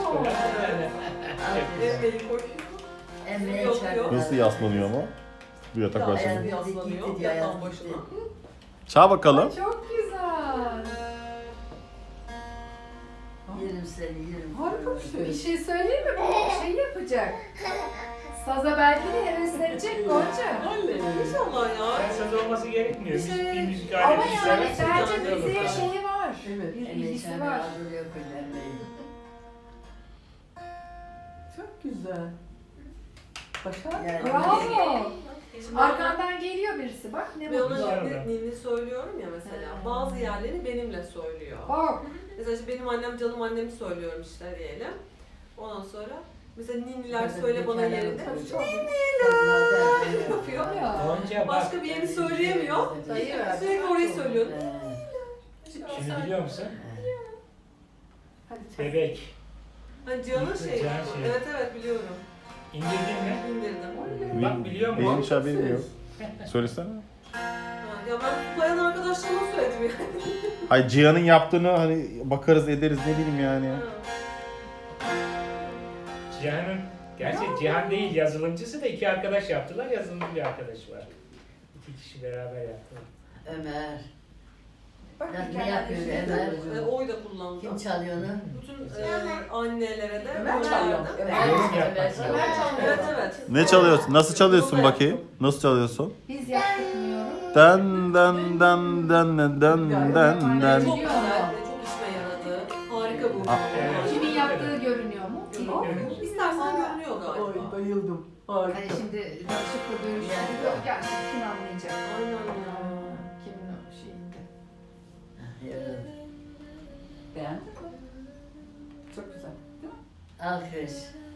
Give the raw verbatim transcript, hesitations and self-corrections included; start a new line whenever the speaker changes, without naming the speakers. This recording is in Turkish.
Emre'yi koyuyor.
Emre'ye
Yok,
çay
yok.
koyar.
Nasıl yaslanıyor ama? Bu yatak
Ayağı
başında.
bir yaslanıyor yatağın başına.
Çağ bakalım.
Çok güzel.
Yerim seni, yerim.
Harika bir şey.
Bir şey söyleyeyim mi? Bu şey yapacak. Saza belki de heveslenecek Gonca.
Anne inşallah ya.
Ben söz olması gerekmiyor.
Bir şey-
Bir müzik
Ama
aleti
yani
seversen
bence
yanında olur
müziğe
falan.
şeyi var.
Evet.
Bir
Emre'ye
ilgisi
çay
var.
hazırlıyor koyun Emre'yi.
Çok güzel. Başar.
Yani-
Bravo.
Şimdi
Arkandan geliyor birisi bak ne
ben
mutlu.
ona ninni, ninni söylüyorum ya mesela.
Ha.
Bazı yerleri benimle söylüyor.
Bak.
Mesela işte benim annem canım annemi söylüyorum işte diyelim. Ondan sonra mesela ninniler
Tabii,
söyle bana
hikayeler
yerinde.
söylüyor.
Ninniler yapıyor.
Ya.
Gonca bak.
Başka bir yerini söyleyemiyor.
Dayı ver.
Sürekli orayı söylüyor.
Şimdi biliyor musun?
Hadi çay.
Bebek.
Hani Cihan'ın şeyi.
Cihan şeyi.
Evet evet biliyorum.
İndirdin mi?
İndirdim.
Bak biliyor musun?
Neymiş haberim yok. Söylesene.
Ha, Ya ben bayan arkadaşlarıma söyledim yani.
Hay Cihan'ın yaptığını hani bakarız ederiz ne bileyim yani.
Ha.
Cihan'ın, gerçi Cihan değil yazılımcısı da iki arkadaş yaptılar. Yazılımcı bir arkadaş var. İki kişi beraber yaptılar.
Ömer.
Bak
Ya ne
hikayeler
yapıyor
işte.
Ömer?
E, oy da kullandı.
Kim çalıyor onu?
Bütün e, annelere de
Ömer
oy
çalıyor.
verdi.
Ömer.
Yorum
Ömer
yapmak
çalıyor.
Ömer çalıyor.
Evet evet.
Ne çalıyorsun? Nasıl çalıyorsun
Bunu da
bakayım?
yaptım.
Nasıl çalıyorsun?
Biz yaptırmıyorum.
Den den den den den den den den.
Çok güzel, çok işime yaradı. Harika bu.
Ah.
Evet.
Kimin yaptığı görünüyor mu?
Görünüyor.
İstersen görünüyor galiba.
bayıldım.
Hani şimdi danışıklı görüşmek yok yani kim anlayacak?
Aynen ya.
Kimin o şeyinde.
Yarın.
Beğendin mi? Çok güzel.
Alkış.